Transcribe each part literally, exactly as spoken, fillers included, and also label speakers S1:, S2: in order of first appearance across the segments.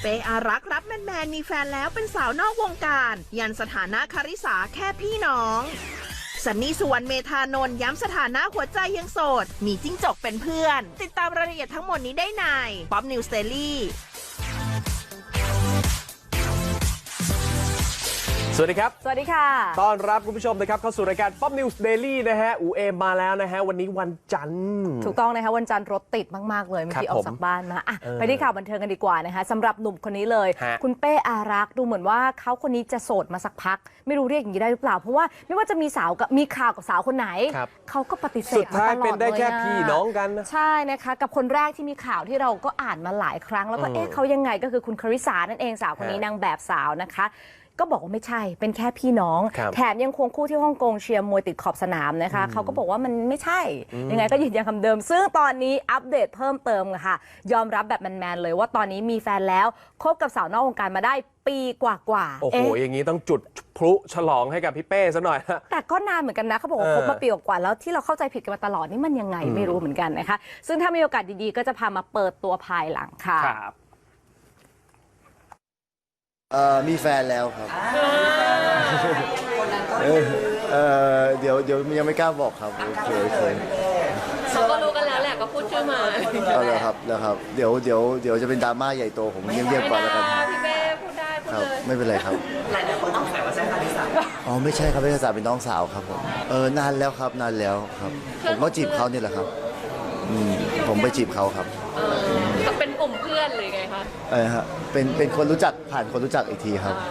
S1: เป้อารักษ์รับแมนๆมีแฟนแล้วเป็นสาวนอกวงการยันสถานะคาริสาแค่พี่น้องซันนี่สุวรรณเมธานนท์ย้ำสถานะหัวใจยังโสดมีจิ้งจกเป็นเพื่อนติดตามรายละเอียดทั้งหมดนี้ได้ในป๊อปนิวส์เดลี่
S2: สวัสดีครับ
S3: สวัสดีค่ะ
S2: ต้อนรับคุณผู้ชมนะครับเข้าสู่รายการ Pop News Daily นะฮะอูเอมมาแล้วนะฮะวันนี้วันจันทร์
S3: ถูกต้องนะคะวันจันทร์รถติดมากๆเลยเมื่อกี้ออกจากบ้านมาอ่ะไปที่ข่าวบันเทิงกันดีกว่านะคะสำหรับหนุ่มคนนี้เลยคุณเป้อารักษ์ดูเหมือนว่าเขาคนนี้จะโสดมาสักพักไม่รู้เรียกอย่างนี้ได้หรือเปล่าเพราะว่าไม่ว่าจะมีสาวกับมีข่าวกับสาวคนไหนเขาก็ปฏิเสธมาตลอดเลยสุดท้าย
S2: เป็นได้แค่พี่น้องกัน
S3: ใช่นะคะกับคนแรกที่มีข่าวที่เราก็อ่านมาหลายครั้งแล้วก็เอ๊ะเขายังไงก็คือคุณคาริสานั่นเองสาวคนนี้นางแบบสาวนะคะก็บอกว่าไม่ใช่เป็นแค่พี่น้องแถมยังควงคู่ที่ฮ่องกงเชียร์มวยติดขอบสนามนะคะเขาก็บอกว่ามันไม่ใช่ยังไงก็ยืนยันคำเดิมซึ่งตอนนี้อัปเดตเพิ่มเติมค่ะยอมรับแบบแมนๆเลยว่าตอนนี้มีแฟนแล้วคบกับสาวนอกวงการมาได้ปีกว่าๆ
S2: โอ้โหอย่างนี้ต้องจุดพลุฉลองให้กับพี่เป้ซะหน่อย
S3: แต่ก็นานเหมือนกันนะเขาบอกว่าคบมาปีกว่าๆแล้วที่เราเข้าใจผิดกันมาตลอดนี่มันยังไงไม่รู้เหมือนกันนะคะซึ่งถ้ามีโอกาสดีๆก็จะพามาเปิดตัวภายหลังค่ะ
S4: เอ่อมีแฟนแล้วครับเออเออเดี๋ยวเดี๋ยวยังไม่กล้าบอกครับเคยเคย
S5: เขาก็รู้กันแล้วแหละก็พูดชื่อมา
S4: เอาเลยครับแล้วครับเดี๋ยวเดี๋ยวเดี๋ยวจะเป็นดราม่าใหญ่โตผมเงียบๆก่อนแล้วกัน
S5: พี่เป้พูดได้พูดเลย
S4: ไม่เป็นไรครับ
S5: หลายคนต้องใส่ว่าใช่คาริสา
S4: อ๋อไม่ใช่ครับคาริสาเป็นน้องสาวครับผมเออนานแล้วครับนานแล้วครับผมก็จีบเขาเนี่ยแหละครับอืมผมไปจีบเขาครับ
S5: ก็เป็นกลุ่มเพื่อนเลยไงคะ
S4: เออฮะเป็นเป็นคนรู้จักผ่านคนรู้จักอีกทีครับ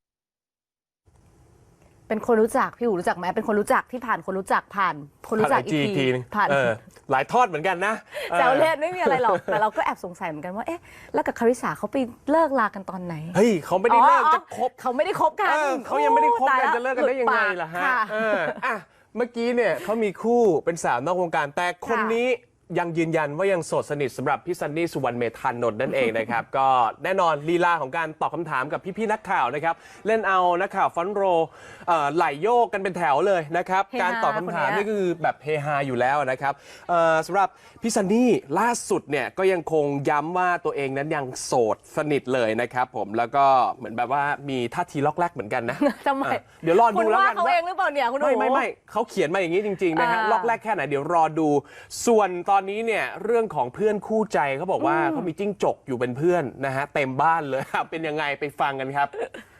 S3: เป็นคนรู้จักพี่อู๋รู้จักไหมเป็นคนรู้จักที่ผ่านคนรู้จักผ่านคนรู้จักอีกที
S2: ผ่านหลายทอดเหมือนกันนะ
S3: แซวเล่นไม่มีอะไรหรอกแต่เราก็แอบสงสัยเหมือนกันว่าเอ๊ะแล้วกับคาริสาเขาไปเลิกลากันตอนไหน
S2: เฮ้ยเขาไม่ได้เลิกจะคบ
S3: เขาไม่ได้คบกัน
S2: เขายังไม่ได้คบกันจะเลิกกันได้ยังไงล่ะฮะอ่ะเมื่อกี้เนี่ยเขามีคู่เป็นสาวนอกวงการแต่คนนี้ยังยืนยันว่ายังโสดสนิทสำหรับพี่ซันนี่สุวรรณเมธานนท์นั่นเองนะครับ ก็แน่นอนลีลาของการตอบคำถามกับพี่ๆนักข่าวนะครับเล่นเอานักข่าวฟอนโรไหลโยกกันเป็นแถวเลยนะครับการตอบคำถามนี่คือแบบเฮฮาอยู่แล้วนะครับสำหรับพี่ซันนี่ล่าสุดเนี่ยก็ยังคงย้ำว่าตัวเองนั้นยังโสดสนิทเลยนะครับผมแล้วก็เหมือนแบบว่ามีท่าทีล็อกแรกเหมือนกันนะ
S3: ทำไม
S2: เดี๋ยวรอดูแล้วกัน
S3: ว่าเขาเองหรือเปล่าเนี่ยคุณ
S2: ไม่ไม่ไม่เขาเขียนมาอย่างนี้จริงๆนะฮะล็อกแรกแค่ไหนเดี๋ยวรอดูส่วนตอนนี้เนี่ยเรื่องของเพื่อนคู่ใจเขาบอกว่าเขามีจิ้งจกอยู่เป็นเพื่อนนะฮะเต็มบ้านเลยเป็นยังไงไปฟังกันครับ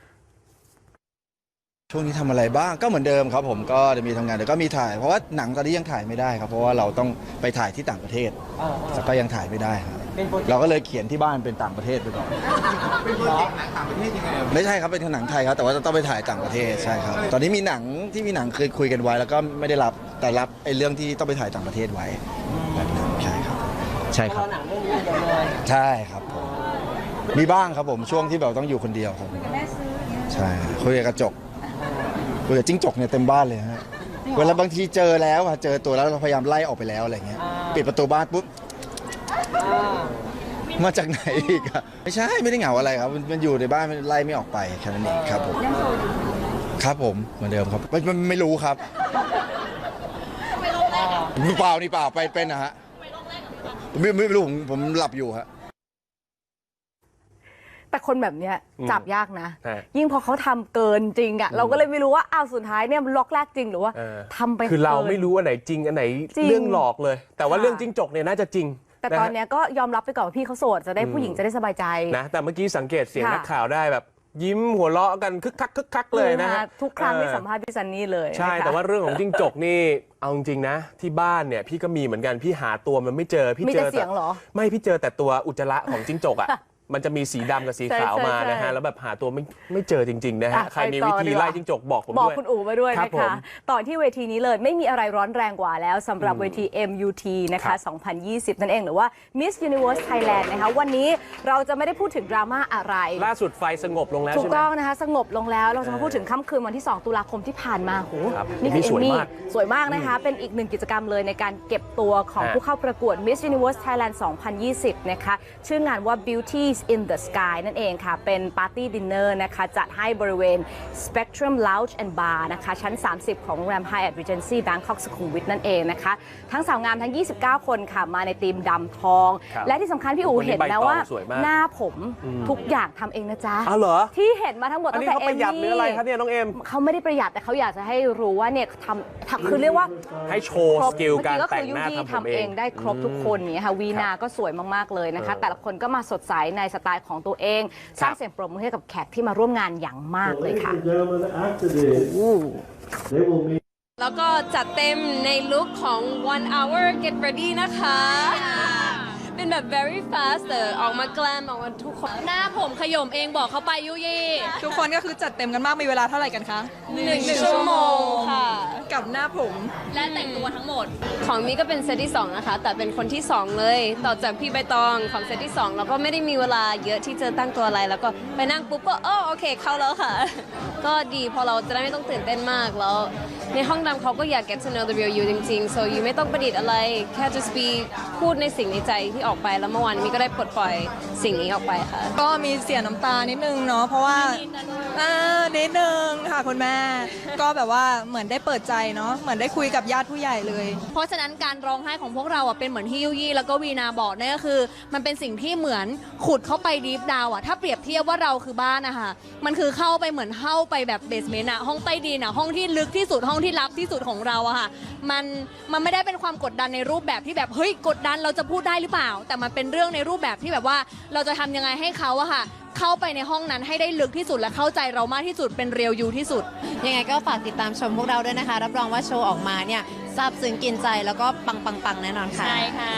S6: ช่วงนี้ทำอะไรบ้างก็เหมือนเดิมครับผมก็จะมีทำงานแต่ก็มีถ่ายเพราะว่าหนังตอนนี้ยังถ่ายไม่ได้ครับเพราะว่าเราต้องไปถ่ายที่ต่างประเทศแต่ก็ยังถ่ายไม่ได้ครับเราก็เลยเขียนที่บ้านเป็นต่างประเทศไปก่อนเป็นโปรเจกต์หนังต่างประเทศยังไงไม่ใช่ครับเป็นหนังไทยครับแต่ว่าต้องไปถ่ายต่างประเทศใช่ครับตอนนี้มีหนังที่มีหนังเคยคุยกันไว้แล้วก็ไม่ได้รับแต่รับไอ้เรื่องที่ต้องไปถ่ายต่างประเทศไว้แบบนั้นใช่ครับใช่ครับใช่ครับผมมีบ้างครับผมช่วงที่แบบต้องอยู่คนเดียวครับใช่คุยกับกระจกคุยกับจิ้งจกเนี่ยเต็มบ้านเลยฮะเวลาบางทีเจอแล้วเจอตัวแล้วเราพยายามไล่ออกไปแล้วอะไรเงี้ยปิดประตูบ้านปุ๊บมาจากไหนอีกอะไม่ใช่ไม่ได้เหงาอะไรครับมันอยู่ในบ้านมันไล่ไม่ออกไปแค่นั้นเองครับผมครับผมเหมือนเดิมครับไม่ไม่รู้ครับเปล่านี่เปล่าไปเป็นนะฮะไม่ไม่รู้ผมผมหลับอยู่ฮะ
S3: แต่คนแบบเนี้ยจับยากนะยิ่งพอเขาทำเกินจริงอ่ะเราก็เลยไม่รู้ว่าอ้าวสุดท้ายเนี่ยล็อกแรกจริงหรือว่าทำไป
S2: คือเราไม่รู้อันไหนจริงอันไหนเรื่องหลอกเลยแต่ว่าเรื่องจิ้งจกเนี่ยน่าจะจริง
S3: แต่ตอนนี้ก็ยอมรับไปก่อนว่าพี่เขาโสดจะได้ผู้หญิงจะได้สบายใจ
S2: นะแต่เมื่อกี้สังเกตเสียงนักข่าวได้แบบยิ้มหัวเราะกันคึกคักคึกคักเลยนะฮะ
S3: ทุกครั้งที่สัมภาษณ์พี่ซันนี่เลย
S2: ใช่แต่ว่าเรื่องของจิ้งจกนี่เอาจริงๆนะที่บ้านเนี่ยพี่ก็มีเหมือนกันพี่หาตัวมันไม่เจอพี่
S3: เจอแต่เสียงเหรอ
S2: ไม่พี่เจอแต่ตัวอุจจาระของจิ้งจกอ่ะมันจะมีสีดำกับสีขาวมานะฮะแล้วแบบหาตัวไม่ไม่เจอจริงๆนะฮะใครมีวิธีไล่จิ้งจกบอกผมด้วย
S3: บอกคุณอู๋มาด้วยนะคะต่อที่เวทีนี้เลยไม่มีอะไรร้อนแรงกว่าแล้วสำหรับเวที เอ็ม ยู ที นะคะสองพันยี่สิบนั่นเองหรือว่า Miss Universe Thailand นะคะวันนี้เราจะไม่ได้พูดถึงดราม่าอะไร
S2: ล่าสุดไฟสงบลงแล้ว
S3: ถูกต้องนะคะสงบลงแล้วเราจะมาพูดถึงค่ำคืนวันที่สองตุลาคมที่ผ่านมาโหนี่คือเอมมี่สวยมากนะคะเป็นอีกหนึ่งกิจกรรมเลยในการเก็บตัวของผู้เข้าประกวด Miss Universe Thailand สองพันยี่สิบนะคะชื่องานว่า Beauty Peace in the Sky นั่นเองค่ะเป็นปาร์ตี้ดินเนอร์นะคะจัดให้บริเวณ Spectrum Lounge and Bar นะคะชั้น สามสิบ ของโรงแรม Hyatt Regency Bangkok สุขุมวิทนั่นเองนะคะทั้งสาวงามทั้งยี่สิบเก้าคนค่ะมาในธีมดำทอง และที่สำคัญพี่อู๋เห็นนะว่าหน้าผมทุกอย่างทำเองนะจ๊ะ
S2: อ๋อเหรอ
S3: ที่เห็นมาทั้งหมด
S2: อัน
S3: ตั้
S2: นี้
S3: งแต่
S2: เขา
S3: เอ
S2: ประ
S3: ม
S2: หยัดหรืออะไรครับ
S3: มี่
S2: เนี่ยน้องเอ็ม
S3: เขาไม่ได้ประหยัดแต่เขาอยากจะให้รู้ว่าเนี่ยทำทำคือเรียกว่า
S2: ให้โชว์
S3: คร
S2: ส
S3: บ
S2: กิลการ
S3: เมื่อ
S2: แต่
S3: กี้
S2: งหน้า
S3: ก็คือ
S2: ทำผม
S3: ทำ
S2: เอ
S3: เอง งได้ครบทุกคนเนี่ยค่ะวีนาก็สวยมากๆเลยนะคะ
S2: เออ
S3: แต่ละคนก็มาสดใสในสไตล์ของตัวเอง สร้างเสียงปรบมือให้กับแขกที่มาร่วมงานอย่างมากเลยค่ะ
S5: แล้วก็จัดเต็มในลุคของ one hour get ready นะคะ เป็นแบบ very fast แต่ออกมาแกลมออกมาทุกคน หน้าผมขย่มเองบอกเขาไปยุยี่
S7: ทุกคนก็คือจัดเต็มกันมาก มีเวลาเท่าไหร่กันคะ
S5: หนึ่งชั่วโมงค่ะ
S7: กับหน้าผม
S5: และแต่งตัวทั้งหมด ของมีก็เป็นเซตที่สองนะคะ แต่เป็นคนที่สองเลย ต่อจากพี่ใบตองของเซตที่สองแล้วก็ไม่ได้มีเวลาเยอะที่จะตั้งตัวอะไร แล้วก็ไปนั่งปุ๊บก็โอ้โอเคเข้าแล้วค่ะ ก็ดีพอเราจะได้ไม่ต้องตื่นเต้นมากแล้ว ในห้องดำเขาก็อยาก get to know the real you จริงๆ so you ไม่ต้องประดิษฐ์อะไร แค่ just be พูดในสิ่งในใจที่ออกไปแล้วเมื่อวานมีก็ได้ปลดปล่อยสิ่งนี้ออกไปค่ะ
S7: ก็มีเสียน้ำตานิดนึงเนาะ เพราะว่าอ่านิดนึงค่ะคุณแม่ ก็แบบว่าเหมือนได้เปิดใจเนาะ เหมือนได้คุยกับญาติผู้ใหญ่เลย
S8: เพราะฉะนั้นการร้องไห้ของพวกเราอ่ะเป็นเหมือนที่ยุยี่แล้วก็วีนาบอกนั่นก็คือ มันเป็นสิ่งที่เหมือนขุดเข้าไปดีฟดาวอ่ะถ้าเปรียบเทียบว่าเราคือบ้านนะคะมันคือเข้าไปเหมือนเข้าไปแบบเบสเมนต์อ่ะห้องใต้ดินอ่ะห้องที่ลึกที่สุดห้องที่ลับที่สุดของเราอะค่ะมันมันไม่ได้เป็นความกดดันในรูปแบบที่แบบเฮ้ยกดดันเราจะพูดได้หรือเปล่า แต่มันเป็นเรื่องในรูปแบบที่แบบว่าเราจะทำยังไงให้เขาอะค่ะเข้าไปในห้องนั้นให้ได้ลึกที่สุดและเข้าใจเรามากที่สุดเป็นเรียลยูที่สุด
S9: ยังไงก็ฝากติดตามชมพวกเราด้วยนะคะ รับรองว่าโชว์ออกมาเนี่ยซาบซึ้งกินใจแล้วก็ปังปังปังแน่นอนค่ะ
S8: ใช่ค่ะ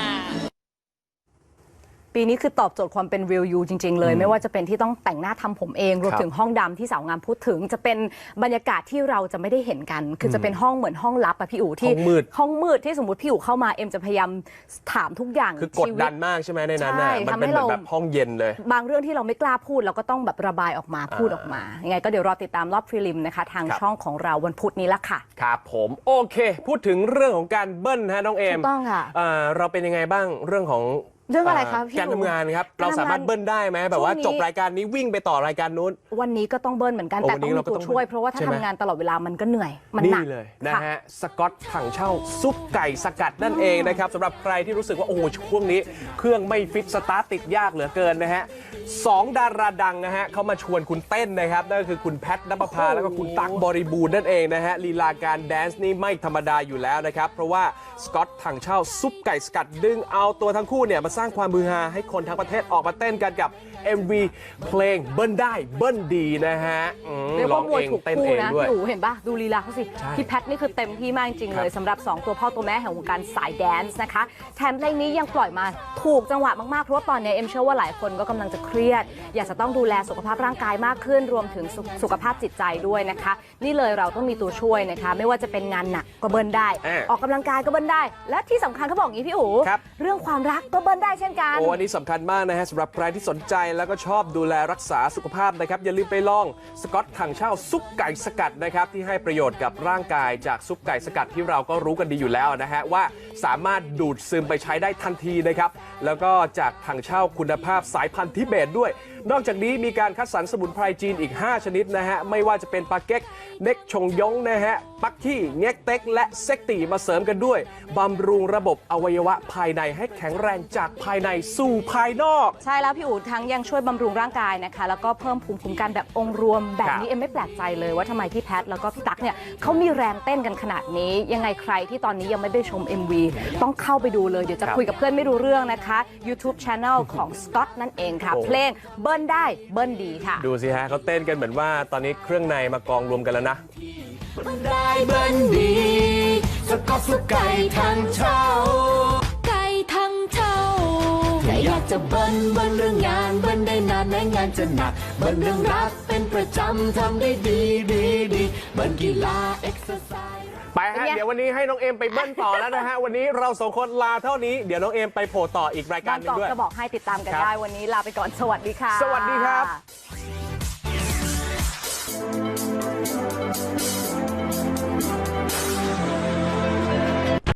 S3: ปีนี้คือตอบโจทย์ความเป็น real you จริง ๆ เลย ไม่ว่าจะเป็นที่ต้องแต่งหน้าทำผมเองรวมถึงห้องดำที่สาวงามพูดถึง จะเป็นบรรยากาศที่เราจะไม่ได้เห็นกัน คือจะเป็นห้องเหมือนห้องลับอะพี่อู๋ที่
S2: ห้องมืด
S3: ห้องมืดที่สมมติพี่อู๋เข้ามาเอ็มจะพยายามถามทุกอย่าง
S2: คือกดดันมากใช่ไหมในนั้นน่ะ
S3: ใช่
S2: มัน
S3: ทำ
S2: เป็น
S3: ให้
S2: เหมือ
S3: เรา
S2: นแบบห้องเย็นเลย
S3: บางเรื่องที่เราไม่กล้าพูดเราก็ต้องแบบระบายออกมาพูดออกมายังไงก็เดี๋ยวรอติดตามรอบพรีลิมนะคะทาง
S2: ครับ
S3: ช่องของเราวันพุธนี้ละค่ะ
S2: ครับผมโอเค พูดถึงเรื่องของการเบิ้ลฮะน้องเอม
S3: ถูกต้องค่ะ
S2: เอ่อเราเป็นยังไงบ้างเรื่องของ
S3: เรื่องอะไรคะพี่
S2: การทำงานครับ
S3: การทำงาน
S2: เราสามารถเบิ้ลได้ไหมแบบว่า
S3: ช่วงนี้
S2: จบรายการนี้วิ่งไปต่อรายการนู้น
S3: วันนี้ก็ต้องเบิ้ลเหมือนกัน
S2: โอ้
S3: แต่
S2: วันนี้
S3: ต้องมี
S2: เราก็
S3: ตัว
S2: ต้อง
S3: ช่วยเพราะว่าถ้า
S2: ใช่ไหม
S3: ทำงานตลอดเวลามันก็เหนื่อยมันหนั
S2: นี่
S3: ก
S2: เลยนะ
S3: ค่
S2: ฮะสกอตถังเช่าซุปไก่สกัดนั่นเองนะครับสำหรับใครที่รู้สึกว่าโอ้โหช่วงนี้เครื่องไม่ฟิตสตาร์ทติดยากเหลือเกินนะฮะสองดาราดังนะฮะเขามาชวนคุณเต้นนะครับนั่นก็คือคุณแพทณปภาแล้วก็คุณตั๊กบริบูรณ์นั่นเองนะฮะลีลาการแดนซ์นี่ไม่ธรรมดาอยู่แล้วนะครับเพราะว่าสกอตถังเช่าซุปไก่สกัดดึงเอาตัวทั้งคู่เนี่ยมาสร้างความมือฮาให้คนทั้งประเทศออกมาเต้นกันกับ เอ็ม วี เพลงเบิ้ลได้เบิ้ลดีนะฮะอืม
S3: เรียก
S2: ร้อ
S3: ว่าง มวย
S2: เอง
S3: ถูก
S2: เต้น
S3: คู่
S2: เอง
S3: นะ
S2: ด้วย
S3: พี่อู๋เห็นปะดูลีลาเขาสิ
S2: ใช่
S3: พี่แพทนี่คือเต็มที่มากจริงๆ
S2: ครั
S3: เล
S2: บ
S3: ยสำหรับสองตัวพ่อตัวแม่แห่งวงการสายแดนซ์นะคะแถมเพลงนี้ยังปล่อยมาถูกจังหวะมากๆเพราะว่าตอนนี้เอ็มเชื่อว่าหลายคนก็กำลังจะเครียด อยากจะต้องดูแลสุขภาพร่างกายมากขึ้นรวมถึงสุสุขภาพจิตใจด้วยนะคะ นี่เลยเราต้องมีตัวช่วยนะคะไม่ว่าจะเป็นงานหนักก็เบิ้ลได้
S2: อ่า
S3: ออกกำลังกายก็เบิ้ลได้ และที่สำคัญเขาบอกอย่างนี้พี่อู๋
S2: ครับ
S3: เรื่องความรักก็เบิ้ลได้เช่นกัน
S2: โอ้อันนี้สำคัญมากนะฮะสำหรับใครที่สนใจแล้วก็ชอบดูแลรักษาสุขภาพนะครับอย่าลืมไปลองสกอตถังเช่าซุปไก่สกัดนะครับที่ให้ประโยชน์กับร่างกายจากซุปไก่สกัดที่เราก็รู้กันดีอยู่แล้วนะฮะว่าสามารถดูดซึมไปใช้ได้ทันทีนะครับแล้วก็จากถังเช่าคุณภาพสายพันธุ์ทิเบตด้วย นอกจากนี้มีการคัดสรรสมุนไพรจีนอีกห้าชนิดนะฮะไม่ว่าจะเป็นปาเก๊กเน็กชงยงนะฮะปักขี้เง็กเต็กและเซ็กตีมาเสริมกันด้วยบำรุงระบบอวัยวะภายในให้แข็งแรงจากภายในสู่ภายนอก
S3: ใช่แล้วพี่อู๋ทั้งยังช่วยบำรุงร่างกายนะคะแล้วก็เพิ่มภูมิคุ้มกันแบบองค์รวมแบบ
S2: ครับ
S3: นี้เอ็มไม่แปลกใจเลยว่าทำไมพี่แพทแล้วก็พี่ตั๊กเนี่ยเขามีแรงเต้นกันขนาดนี้ ยังไงใครที่ตอนนี้ยังไม่ได้ชม เอ็ม วี ต้องเข้าไปดูเลยเดี๋ยวจะ
S2: ครับ
S3: คุยกับเพื่อนไม่รู้เรื่องนะคะ YouTube Channel ของ Scott นั่นเองค่ะ
S2: โอ้
S3: เพลงเบิ้ลได้เบิ้ลดีค่ะ
S2: ดูสิฮะเขาเต้นกันเหมือนว่าตอนนี้เครื่องในมากองรวมกันแล้วนะ
S10: ได้เบิ้ลดีสก๊อตซุปไก่ทั้งเช่า
S8: ไก่ทั้งเท่า
S10: ถ้าอยากจะเบิ้ลเบิ้ลเรื่องงานเบิ้ลได้นานแม้งานจะหนักเบิ้ลเรื่องรักเป็นประจำทำได้ดีดีดีเบิ้ลกีฬาเอ็กซ์ไซส์
S2: ไปฮะ
S3: เป็นไง
S2: เดี๋ยววันนี้ให้น้องเอมไปเบิ้ลต่อแล้วนะฮะ วันนี้เราสองคนลาเท่านี้ เดี๋ยวน้องเอมไปโผล่ต่ออีกรายการ
S3: บาง
S2: หนึ
S3: ก
S2: ง
S3: อก
S2: ด้วย
S3: จะบอกให้ติดตามกัน
S2: ครับ
S3: ได้วันนี้ลาไปก่อนสวัสดีค่ะ
S2: สวัสดีครับ